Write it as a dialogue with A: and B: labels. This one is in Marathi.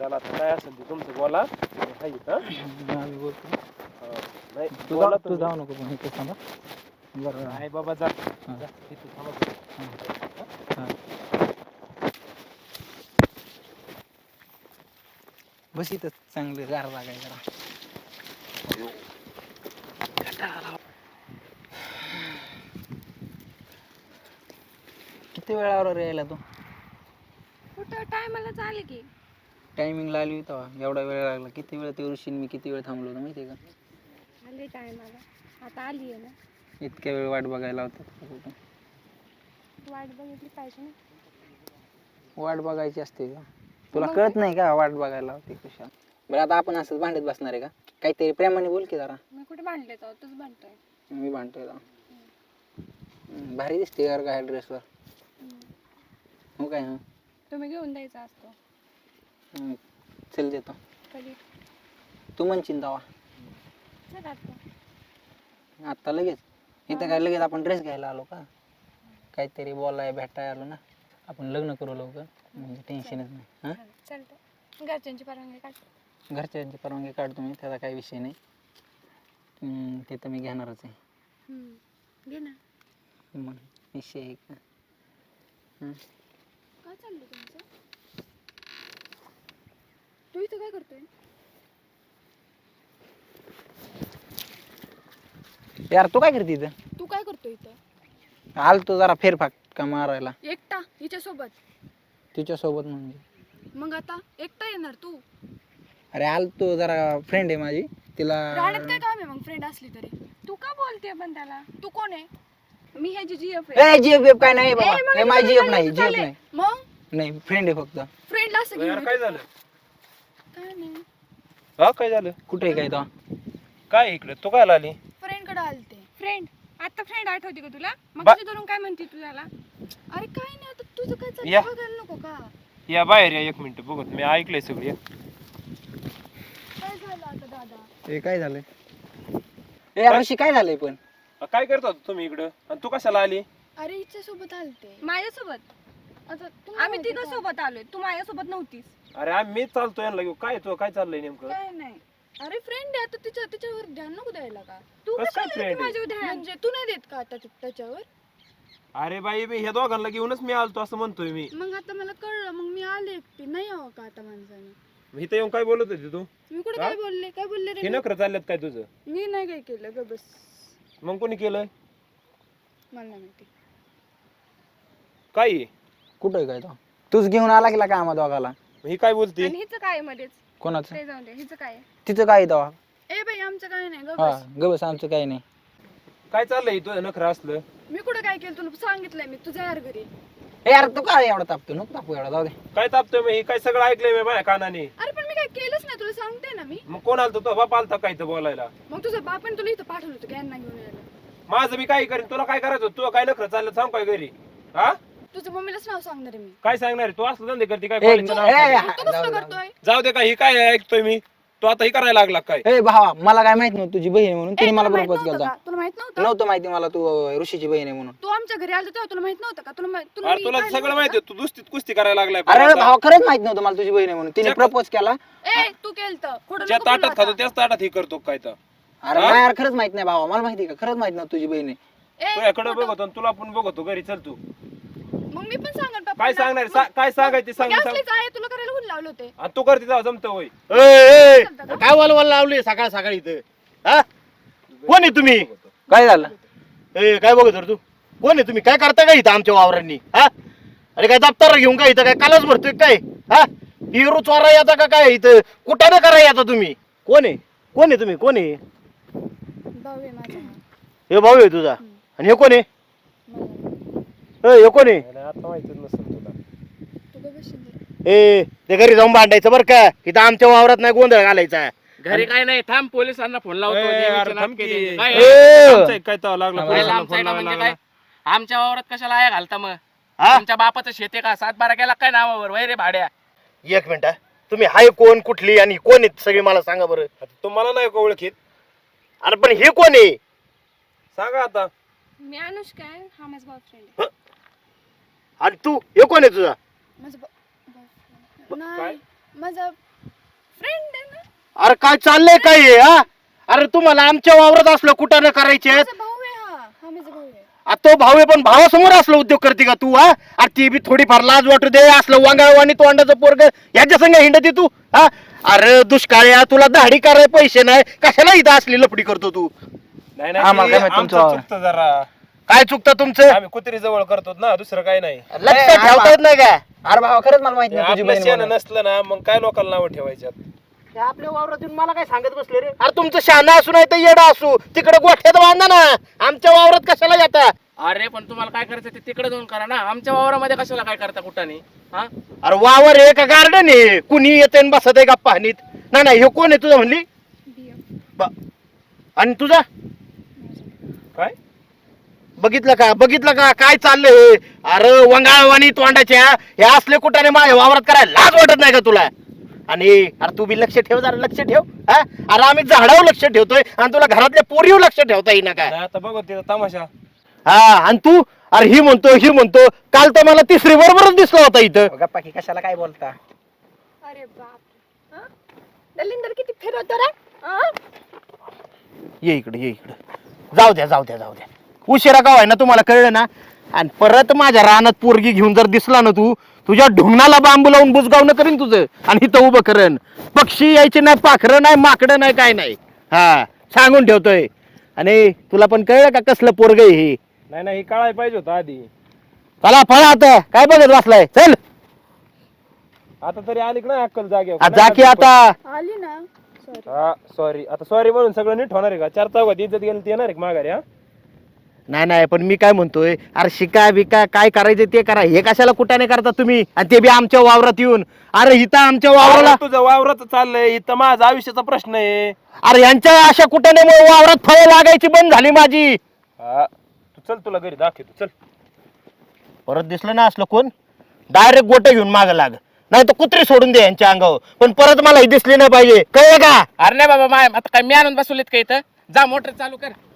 A: चला आता काय असेल ते तुमचं बोला. हाय इथं.
B: आम्ही बोलतो.
A: नाही
B: तू
A: बोला
B: तू जाऊ नको पण इथे थांबा. बरं
A: नाही बाबा जा.
B: हां.
A: जा, तिथं थांबा.
B: हां. बस इथं चांगलं गार लागाय जरा. किती वेळावर यायला तू?
C: कुठं टायमाला चाले की
B: टायमिंगला आली होती तेव्हा एवढा वेळ लागला. किती वेळ ते ऋषीन मी किती वेळ थांबलो होतो माहिती आहे का?
C: आले टायमाला. आता आली आहे ना.
B: इतक्या वेळ वाट बघायला होतं.
C: वाट बघितली पाहिजे ना.
B: वाट बघायची असते का? तुला कळत नाही का वाट बघायला होती कशा? बरं आता आपण असंच भांडत बसणार आहे का? काहीतरी प्रेमाने बोल की जरा.
C: मी कुठे भांडले तर तूच भांडतोय.
B: मी भांडतोय का? भारी दिसते यार काय ड्रेसवर. हो काय? हां
C: तुम्ही घेऊन द्यायचा असतो.
B: चल देतो.
C: कधी
B: तू म्हणशील तेव्हा.
C: चल आता.
B: आत्ता लगेच इथं काय लगेच आपण ड्रेस घ्यायला आलो का? काहीतरी बोलाय भेटाय आलो ना. आपण लग्न करू लवकर म्हणजे टेन्शनच नाही. हां
C: चालतं. घरच्यांची परवानगी काढ.
B: घरच्यांची परवानगी काढतो मी, त्याचा काही विषय नाही. ते तर मी घेणारच आहे.
C: घे ना.
B: मग विषय आहे का?
C: काय चाललं तुमचं? तू इथं काय करतोय?
B: यार तू काय करते इथं?
C: तू काय करतोय इथं?
B: आलतो जरा फेरफाटका मारायला
C: एकटा हिच्यासोबत.
B: तिच्यासोबत. म्हणजे
C: मग आता एकटा येणार तू?
B: अरे आलतो जरा फ्रेंड आहे माझी तिला.
C: राहण्यात काय काम आहे मग फ्रेंड असली तरी? तू का बोलते पण त्याला? तू कोण आहे? मी ह्याची जीएफ आहे.
B: जीएफ काय नाही बाबा.
C: मग
B: हे माझी जीएफ नाही. जीएफ नाही.
C: मग
B: नाही फ्रेंड आहे फक्त.
C: फ्रेंड असं
A: यार
C: घेऊन
A: काय झालं?
C: काय नाही.
A: हा काय झालं?
B: कुठे आहे काय तो?
A: काय इकडे तू काय आली?
C: फ्रेंड कडे आलते. फ्रेंड आता फ्रेंड आठवते का तुला? मग
A: बा-
C: तुझी धरून काय म्हणते तू त्याला? अरे काय नाही आता तुझं काय
A: या.
C: चाललं बघायला नको का?
A: या बाहेर या 1 मिनिट बघत मी ऐकलंय सगळं.
C: काय झालं आता दादा?
B: हे काय झालंय? ए ऋषी काय झालंय पण?
A: काय करत होता तुम्ही इकडं आणि तू कशाला आली?
C: अरे हिच्या सोबत आलते.
D: माझ्यासोबत
C: आता
D: आम्ही तिघं सोबत आलोय. तू माझ्यासोबत नव्हतीस.
A: अरे मी चालतोय यांना घेऊ. काय तो काय चाललंय नेमकं?
C: काय नाही. अरे फ्रेंड आहे आता तिच्यावर ध्यान नको द्यायला का?
D: तू
A: कसं काय
D: कशाला
A: friend आहे?
D: माझ्या ध्यान?
C: म्हणजे तू नाही देत का आता त्याच्यावर?
A: अरे बाई मी ह्या दोघांना घेऊनच मी आलतो असं म्हणतोय मी.
C: मग आता मला कळलं. मग मी आले एकटी. नाही यावं का आता माणसाने?
A: इथं येऊन काय बोलत होती तू?
C: मी कुठे
A: हा?
C: काय बोलले
A: हे
C: रे?
A: नखरं चालल्यात काय तुझं?
C: मी नाही काय केलं ग बस.
A: मग कोणी केलं?
C: मला नाही माहिती.
A: काय
B: कुठे आहे काय तो? तूच घेऊन आला की का आम्हा दोघाला?
A: ही काय बोलते?
D: आणि हिचं काय आहे मध्येच?
B: कोणाचं?
D: ते जाऊन दे. हिचं काय आहे?
B: तिचं काय तेव्हा?
C: ए बाई आमचं काय नाही ग
B: हा
C: बस.
B: गबस आमचं काही नाही.
A: काय चाललंय तुझं नखरं असलं?
C: मी कुठं काय केलं तुला सांगितलंय मी. तुझ्या यार घरी.
B: ए यार तू काय एवढा तापतो? नको तापू एवढा. जाऊ दे.
A: काय तापतोय मी? हे काय सगळं ऐकलंय मी माझ्या कानाने.
C: अरे पण मी काय केलंच नाही. तुला सांगते ना मी.
A: मग कोण आलतो? तो बाप आलता काय इथं बोलायला?
C: मग तुझं बापाने तुला इथं पाठवलं होतं यांना घेऊन यायला.
A: माझं मी काय करीन? तुला काय करायचं होतं? तू काय नखरं चाललं सांग काय घरी? हा
C: तुझं मम्मीलाच नाव सांगणार आहे मी.
A: काय सांगणार आहे? तू असलं धंदे करते काय?
B: ए,
A: कॉलेजचं नाव
B: ए,
A: सांगते.
C: तू कसलं करतोय?
A: जाऊ दे. काय ही काय ऐकतोय मी? तू आता ही करायला लागला काय?
B: ए भावा मला काय माहित नव्हतं तुझी बहीण आहे म्हणून.
C: ए,
B: तिने मला
C: तुला माहित
B: प्रपोज
C: नव्हतं
B: केला.
C: का? तुला माहित नव्हतं?
B: नव्हतं माहिती मला तू ऋषीची बहीण आहे म्हणून.
C: तू आमच्या घरी आलता तेव्हा तुला माहित नव्हतं का? तुला
A: अरे
C: मी
A: तुला
C: पाहिलं
A: सगळं
C: नव्हतं
A: माहिती
C: का?
A: तू दुसरीत कुस्ती करायला लागलाय.
B: अरे भावा खरंच माहित नव्हतं मला तुझी बहीण आहे म्हणून. तिने प्रपोज केला.
C: ए तू केलतं. खोटं
A: ज्या
C: नको बोलू
A: ताटात खातो
C: आता.
A: त्याच ताटात हे करतो काय तर.
B: अरे नाही यार खरंच माहित नाही भावा. मला माहिती का खरंच माहित नव्हतं तुझी बहीण आहे.
C: ए,
A: तुझ्याकडे
C: खोटं-
A: बघतो आणि तुला पण बघतो घरी. चल तू.
C: मग मी पण सांगणार पप्पांना.
A: काय सांगणार? काय सांगायचे सांग.
C: असलीच आहे तुला करायला हुन लावले होते.
A: आणि तू करते तेव्हा जमतं होय.
E: काय वलवल लावली सकाळ सकाळी इथं? हा कोण आहे तुम्ही?
B: काय झालं?
E: ए काय बघत होता तू? कोण आहे तुम्ही? काय करता का इथं आमच्या वावरांनी? हा अरे काय दप्तर घेऊन काय इथं काय कालच भरतोय काय? हा हिरो चोरा येता का काय इथं? कुठं करा येता तुम्ही? कोण आहे? कोण आहे तुम्ही? कोण आहे?
C: भाऊ आहे माझा.
E: हे भाऊ आहे तुझा? आणि हे कोण आहे? हे कोण आहे?
A: आता माहितीच नसेल तुला.
C: तू गं बशील जरा.
E: ए ते घरी जाऊन भांडायचं बरं का? इथं आमच्या वावरात नाही गोंधळ घालायचा.
F: घरी काय नाही. थांब पोलिसांना फोन लावतो.
A: ए,
F: नेहमीचे
A: अरे
F: नाटके
A: थांब की.
F: त्यांचे. काय
B: ए,
A: आमचं एक काय तर लागलं
B: काय
A: पोलिसांना
F: आमचं
A: फोन
F: आहे का
A: लावायला
F: म्हणजे
A: लागला.
F: काय? आमच्या वावरात कशाला आया घालता मग?
E: हा
F: तुमच्या बापाचं शेते का 7-12 गेला काय नावावर? वय रे भाड्या.
E: एक मिनिट हा. तुम्ही हाय कोण कुठली आणि कोण आहेत सगळी मला सांगा बरं.
A: आता तुम्हाला नाही का ओळखीत?
E: अरे पण हे कोण आहे?
A: सांगा आता.
D: मी अनुष्का आहे. हा माझा बॉयफ्रेंड.
E: आणि तू हे कोण आहे तुझा?
C: माझा boyfriend. नाही माझा फ्रेंड आहे ना.
E: अरे काय चाललंय काय हे, हा? अरे तुम्हाला आमच्या वावरात असलं कुठं करायचे
C: माझा भाऊ आहे हा माझा भाऊ आहे.
E: तो भाऊ आहे, पण भावासमोर असलं उद्योग करते का तू? हा? अरे ती बी थोडीफार लाज वाटू दे. असलं वांगाळवाणी तोंडाचं पोरग याच्या संग हिंडते तू? हा? अरे दुष्काळ्या, तुला दाढी करायला पैसे नाही, कशाला इथं असली लफडी करतो तू?
A: नाही
B: आम्हाला
A: नाही
B: काय माहित तुमचं
A: आमचं
B: वावर.
A: चुकतं जरा.
E: काय चुकतं तुमचं?
A: आम्ही कुत्री जवळ करतो ना, दुसरं काय नाही.
E: लक्ष ठेवता येत नाही का?
B: अरे भावा खरंच मला माहित नाही तुझी
A: आपलं
B: बहीण
A: शेण
B: म्हणून.
A: नसलं ना मग काय लोकांना नावं ठेवायच्यात.
E: आपल्या वावरात येऊन मला काय सांगत बसले रे? अरे तुमचं शहाणा असू नाही तर येडा असू, तिकडे गोठ्यात बांधा ना. आमच्या वावरात कशाला येता?
F: अरे पण तुम्हाला काय करायचं ते तिकडे जाऊन करा ना. आमच्या वावरामध्ये कशाला काय करता कुठाने? हा
E: अरे वावर आहे का गार्डन आहे? कुणी येते आणि बसत आहे का पाहणीत? नाही नाही, हे कोण आहे तुझं म्हणली?
D: बिया.
E: आणि तुझा
A: काय
E: बघितलं का काय चाललंय? अरे वंगाळवाणी तोंडाच्या हे असले कुठाने माझ्या वावरात करायला लाज वाटत नाही का तुला? आणि अरे तू बी लक्ष ठेव, जरा लक्ष ठेव. हा? अरे आम्ही झाडावर लक्ष ठेवतोय आणि तुला घरातल्या पोरीवर लक्ष ठेवता येईना काय?
A: नाही, आता बघू तिथं तमाशा.
E: हा, आणि तू अरे ही म्हणतो काल तर मला तिसरी बरोबरच दिसला होता इथं.
B: गप्पा की कशाला काय बोलता?
D: अरे बाप. दलिंदर किती फिरवतो रे.
E: ये इकडे जाऊ द्या उशिरा का व्हाय ना, तुम्हाला कळलं ना? आणि परत माझ्या रानात पोरगी घेऊन जर दिसला ना तू, तुझ्या ढुंगणाला बांबू लावून बुजगावणं करीन तुझं, आणि इथं उभं करेन. पक्षी यायचे नाही, पाखरं नाही, माकडं नाही, काय नाही. हा, सांगून ठेवतोय. आणि तुला पण कळलं का कसलं पोरग हे?
A: नाही हे कळायला पाहिजे होतं आधी.
E: चला फळा आता, काय बघत बसलाय? चल
A: आता तरी आली की नाही अक्कल जागे.
E: जा की आता.
C: आली ना.
A: सॉरी आता सॉरी म्हणून सगळं नीट होणार आहे का? 4 चौघात इज्जत गेली ती येणार आहे का माघारी? हा
E: नाही पण मी काय म्हणतोय, अरे शिका बिका काय करायचं ते करा. हे कशाला कुठाने करता तुम्ही? आणि ते बी आमच्या वावरात येऊन. अरे इथं आमच्या वावराला,
A: अरे तुझं वावरात चाललंय, इथं माझा आयुष्याचा प्रश्न आहे.
E: अरे यांच्या अशा कुठाने वावरात फळं लागायची बंद झाली माझी.
A: हा तू चल, तुला घरी दाखवतो चल.
E: परत दिसलं ना असलं कोण, डायरेक्ट गोटे घेऊन माग लाग, नाही तर कुत्री सोडून दे यांच्या अंगावर. पण परत मला ही दिसली नाही पाहिजे, कळलं का?
F: अरे नाही बाबा, आता काय मी आणून बसवलेत का इथं? जा मोटर चालू कर.